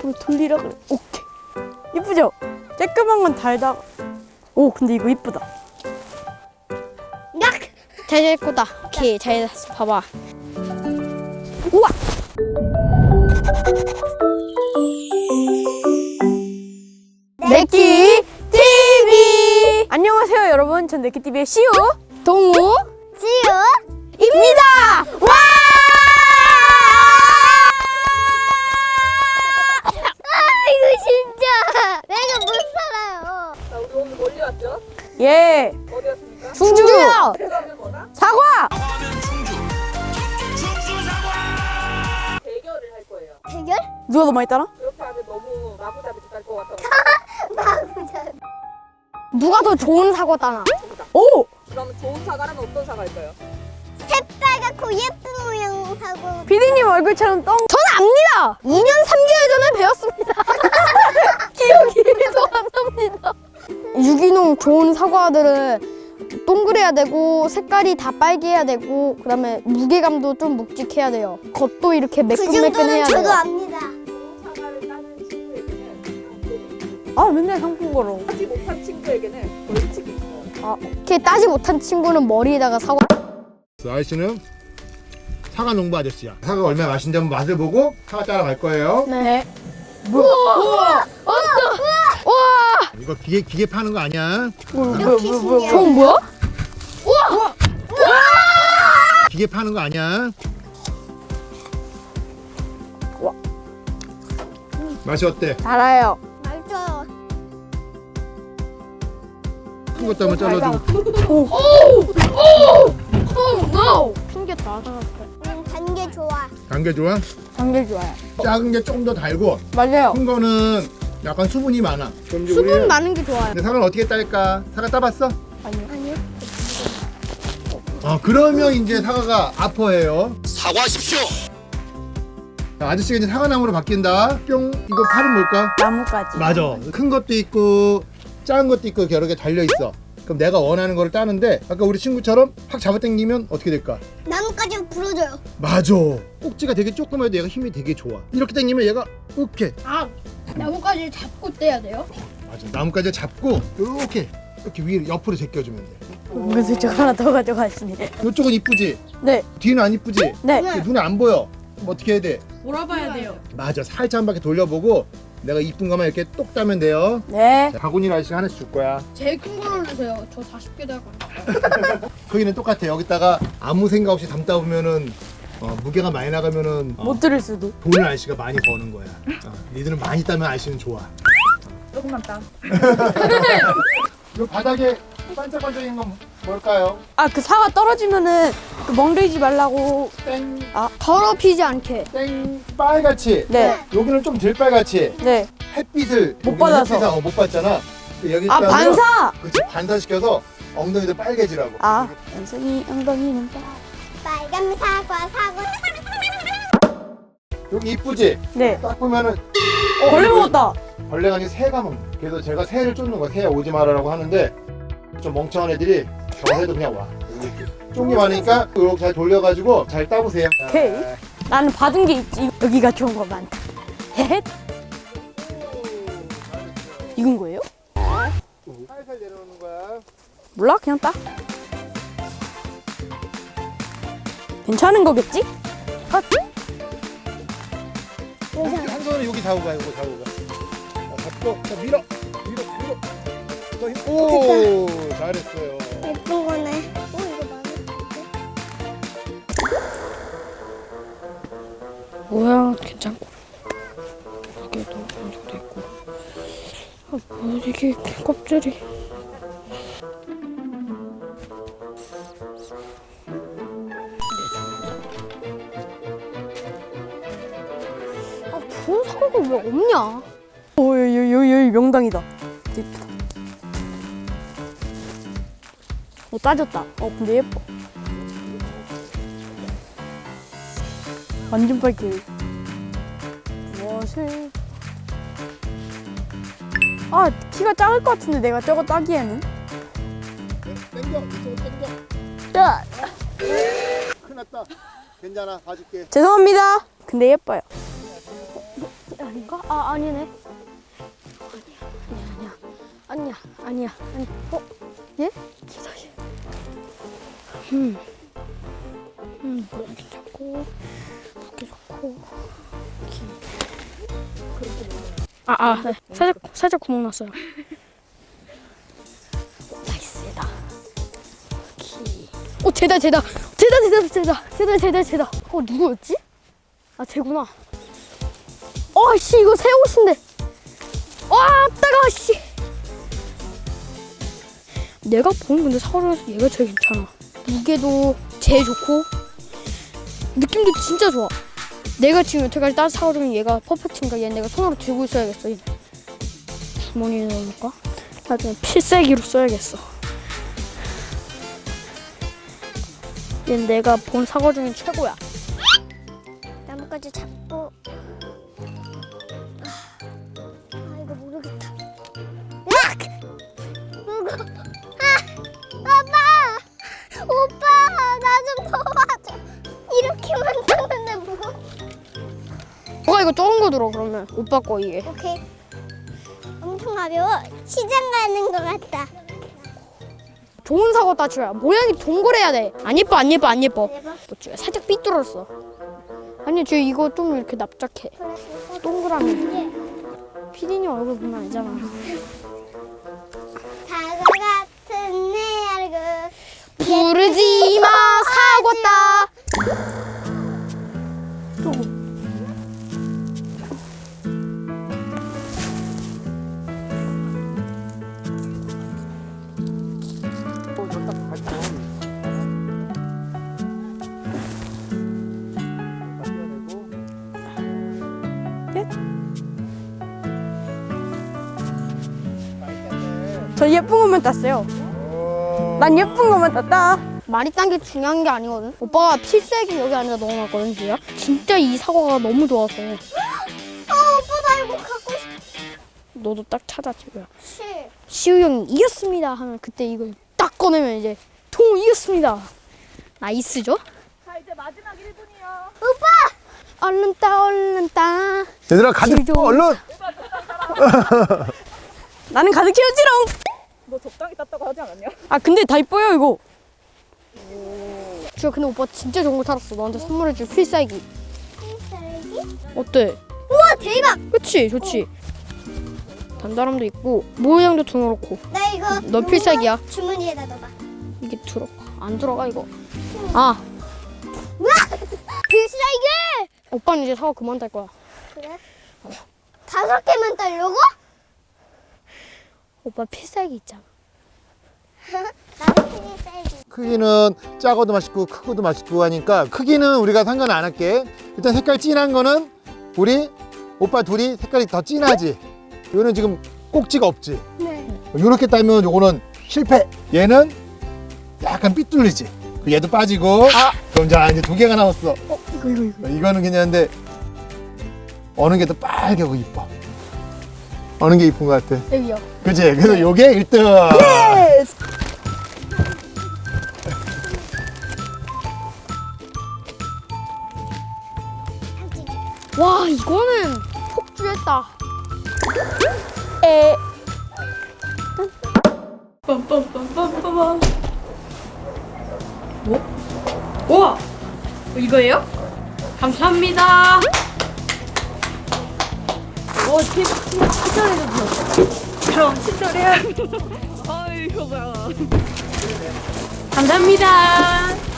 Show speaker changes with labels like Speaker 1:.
Speaker 1: 앞으로 돌리라 그래. 오케이. 이쁘죠? 쬐끄만 건 달다. 오, 근데 이거 이쁘다. 잘 됐다. 오케이, 잘 됐어. 봐봐. 우와! 네끼 TV! 안녕하세요, 여러분. 전 네끼 TV의 시우, 동우, 지우입니다. 와!
Speaker 2: 이거 진짜 내가 못 살아요.
Speaker 3: 자, 우리 오늘 멀리 왔죠?
Speaker 1: 예.
Speaker 3: 어디 왔습니까?
Speaker 1: 충주요.
Speaker 3: 사과하면 뭐다?
Speaker 1: 사과.
Speaker 3: 대결을 할 거예요.
Speaker 2: 대결?
Speaker 1: 누가 더 많이 따라?
Speaker 3: 그렇게 하면 너무 마구잡이 될것 같아서.
Speaker 2: 누가 더 좋은 사과 따나?
Speaker 1: 오!
Speaker 3: 그럼 좋은 사과는 어떤 사과일까요?
Speaker 2: 새빨갛고 예쁜 모양 사과.
Speaker 1: 피디님 얼굴처럼 똥.
Speaker 2: 저는 압니다. 2년 3개월 전에 배웠습니다. 기억이 계속 안 납니다. 유기농 좋은 사과들은 동그래야 되고 색깔이 다 빨개야 되고 그다음에 무게감도 좀 묵직해야 돼요. 겉도 이렇게 매끈매끈해야 돼요. 저도 압니다.
Speaker 3: 좋은 사과를 따는 친구에게는
Speaker 1: 아, 맨날 상품 걸어.
Speaker 3: 하지 못한 친구에게는 벌칙이 있어요.
Speaker 2: 이렇게 따지 못한 친구는 머리에다가 사과.
Speaker 4: 아저씨는 사과 농부 아저씨야. 사과 얼마나 맛있는지 한번 맛을 보고 사과 따라 갈 거예요.
Speaker 1: 네.
Speaker 2: 우와!
Speaker 4: 이거 기계 파는 거 아니야?
Speaker 2: 이렇게 신기해.
Speaker 1: 저건 뭐야?
Speaker 4: 기계 파는 거 아니야?
Speaker 1: 와.
Speaker 4: 맛이 어때?
Speaker 1: 달아요.
Speaker 2: 맛있어요.
Speaker 4: 큰 것도 한번 잘라주고.
Speaker 1: 튕겼다.
Speaker 2: 단 게 좋아.
Speaker 4: 단 게 좋아?
Speaker 1: 단계 좋아요.
Speaker 4: 작은 게 조금 더 달고
Speaker 1: 맞아요.
Speaker 4: 큰 거는 약간 수분이 많아. 그럼 이제
Speaker 2: 수분
Speaker 4: 우리는
Speaker 2: 많은 게 좋아요.
Speaker 4: 근데 사과는 어떻게 딸까? 사과 따봤어?
Speaker 2: 아니요.
Speaker 4: 그러면 이제 사과가 아퍼해요.
Speaker 5: 사과하십시오.
Speaker 4: 자, 아저씨가 이제 사과나무로 바뀐다. 뿅. 이거 팔은 뭘까?
Speaker 1: 나무까지.
Speaker 4: 맞아. 큰 것도 있고 작은 것도 있고 여러 개 달려 있어. 그럼 내가 원하는 거를 따는데 아까 우리 친구처럼 확 잡아당기면 어떻게 될까?
Speaker 2: 나뭇가지 부러져요.
Speaker 4: 맞아. 꼭지가 되게 조그매도 얘가 힘이 되게 좋아. 이렇게 당기면 얘가 이렇게.
Speaker 2: 나뭇가지 잡고 떼야 돼요?
Speaker 4: 맞아. 나뭇가지 잡고 이렇게 위로 옆으로 제껴주면 돼.
Speaker 1: 은근슬쩍 하나 더 가져가시네.
Speaker 4: 이쪽은 이쁘지?
Speaker 1: 네.
Speaker 4: 뒤는 안 이쁘지?
Speaker 1: 네.
Speaker 4: 눈에 안 보여. 그럼 어떻게 해야 돼?
Speaker 3: 몰아봐야 돼요.
Speaker 4: 맞아. 살짝 한 바퀴 돌려보고 내가 이쁜 것만 이렇게 똑 따면 돼요.
Speaker 1: 네.
Speaker 4: 자, 바구니 아저씨가 하나씩 줄 거야.
Speaker 2: 제일 큰 걸로 주세요. 저 40개 될 거예요.
Speaker 4: 거기는 똑같아. 여기다가 아무 생각 없이 담다 보면은 무게가 많이 나가면은
Speaker 1: 못 들을 수도.
Speaker 4: 돈을 아저씨가 많이 버는 거야. 니들은 많이 따면 아저씨는 좋아.
Speaker 3: 조금만 따.
Speaker 4: 이 바닥에 반짝반짝인 건 뭘까요?
Speaker 1: 아, 그 사과 떨어지면은 그 멍들지 말라고.
Speaker 4: 땡,
Speaker 2: 더럽히지 않게.
Speaker 4: 땡, 빨갛지?
Speaker 1: 네.
Speaker 4: 여기는 좀 덜 빨갛지?
Speaker 1: 네.
Speaker 4: 햇빛을
Speaker 1: 못
Speaker 4: 여기는
Speaker 1: 받아서.
Speaker 4: 햇빛을 못 받잖아. 여기
Speaker 1: 아, 반사.
Speaker 4: 그치, 반사시켜서 엉덩이도 빨개지라고.
Speaker 1: 아, 연승이 엉덩이는
Speaker 2: 빨간 사과.
Speaker 4: 여기 이쁘지?
Speaker 1: 네.
Speaker 4: 딱 보면은
Speaker 1: 벌레
Speaker 4: 이거
Speaker 1: 먹었다.
Speaker 4: 벌레가 아니고 새가 먹는. 그래서 제가 새를 쫓는 거야. 새야 오지 마라라고 하는데 좀 멍청한 애들이 저 새도 그냥 와. 쫑이 많으니까 이렇게 잘 돌려가지고 잘 따보세요.
Speaker 1: 오케이. 나는 받은 게 있지. 여기가 좋은 거 많다. 헤헷. 익은 거예요?
Speaker 4: 살살 내려오는 거야.
Speaker 1: 몰라, 그냥 따. 괜찮은 거겠지? 컷.
Speaker 4: 한 손은 여기 잡고 가, 이거 잡고 가. 잡고, 자, 밀어. 더 힘. 오, 잘했어요.
Speaker 2: 예쁜 거네. 이거 많이.
Speaker 1: 모양 괜찮고. 여기도 반죽도 있고. 아, 뭐 이게 껍질이.
Speaker 2: 좋은 사과가 왜 없냐?
Speaker 1: 오, 여기 명당이다. 예쁘다. 따졌다. 근데 예뻐. 완전 빨개. 무엇을? 아, 키가 작을 것 같은데 내가 저거 따기에는.
Speaker 4: 땡겨, 이쪽으로 땡겨.
Speaker 1: 자,
Speaker 4: 큰일 났다. 괜찮아, 봐줄게.
Speaker 1: 죄송합니다. 근데 예뻐요.
Speaker 2: 아닌가? 아, 아니네. 아니야. 어? 얘? 기다려. 모양도 잡고, 무게 좋고, 네. 살짝 구멍 났어요. 나이스다. 제다. 누구였지? 아, 쟤구나. 씨, 이거 새 옷인데. 와, 따가워, 씨. 내가 본 근데 사과중에서 얘가 제일 괜찮아. 무게도 제일 좋고 느낌도 진짜 좋아. 내가 지금 여태까지 딴 사과 중에 얘가 퍼펙트인가? 얘 내가 손으로 들고 있어야겠어. 얘. 주머니에 넣어볼까? 나중에 필살기로 써야겠어. 얘는 내가 본 사과 중에 최고야.
Speaker 5: 나뭇가지 잡고 이거 모르겠다. 으악! 무거워. 오빠 나 좀 도와줘. 이렇게만 잡는데 무거워.
Speaker 2: 너가 이거 적은 거 들어 그러면 오빠 거 이게.
Speaker 5: 오케이. 엄청 가벼워. 시장 가는 것 같다.
Speaker 2: 좋은 사과 따줘야 모양이 동그래야 돼. 안 예뻐. 살짝 삐뚤었어. 아니 쟤 이거 좀 이렇게 납작해. 동그라미. 피디님 얼굴 보면 알잖아.
Speaker 5: 사과 같은 내 얼굴.
Speaker 2: 부르지 마 사과다.
Speaker 1: 저 예쁜 것만 땄어요. 난 예쁜 것만 땄다.
Speaker 2: 많이 딴 게 중요한 게 아니거든. 오빠가 필살기 여기 안에다 넣어놨거든 지금. 진짜 이 사과가 너무 좋아서.
Speaker 5: 오빠 나 이거 갖고 싶어.
Speaker 2: 너도 딱 찾아 지금. 시우 형이 이겼습니다 하면 그때 이걸 딱 꺼내면 이제 통 이겼습니다. 나이스죠?
Speaker 3: 자 이제 마지막 1분이요.
Speaker 2: 얼른 따.
Speaker 4: 얘들아 가득
Speaker 2: 지금.
Speaker 4: 얼른.
Speaker 1: 나는 가득 채우지롱.
Speaker 3: 너 적당히 땄다고 하지 않았냐?
Speaker 1: 아 근데 다 이뻐요 이거.
Speaker 2: 주야 근데 오빠 진짜 좋은 거 찾았어. 너한테 선물해줄 필살기.
Speaker 5: 필살기?
Speaker 2: 어때?
Speaker 5: 우와 대박.
Speaker 2: 그치? 좋지? 단단함도 있고 모양도 드러놓고.
Speaker 5: 나 이거
Speaker 2: 너 필살기야.
Speaker 5: 주머니에다 넣어봐.
Speaker 2: 이게 들어가. 안 들어가 이거. 아
Speaker 5: 필살기!
Speaker 2: 오빠는 이제 사과 그만 딸 거야.
Speaker 5: 그래? 5개만 따려고?
Speaker 2: 오빠 필살기 있잖아.
Speaker 5: 나도 필살기.
Speaker 4: 크기는 작아도 맛있고 크고도 맛있고 하니까 크기는 우리가 상관 안 할게. 일단 색깔 진한 거는 우리 오빠 둘이 색깔이 더 진하지. 이거는 지금 꼭지가 없지.
Speaker 5: 네.
Speaker 4: 이렇게 따면 요거는 실패. 얘는 약간 삐뚤리지. 얘도 빠지고. 그럼 자 이제 2개가 남았어.
Speaker 2: 이거.
Speaker 4: 이거는 괜찮은데 어느 게 더 빨개고 이뻐? 어느 게 이쁜 것 같아?
Speaker 2: 여기요.
Speaker 4: 그치? 그래서 요게 1등.
Speaker 2: 와 이거는 폭주했다.
Speaker 1: 빰빰빰빰빰. 뭐? 우와! 이거예요? 감사합니다. 오, 친절해졌어. 그럼 친절해. 아이고 뭐야. 감사합니다.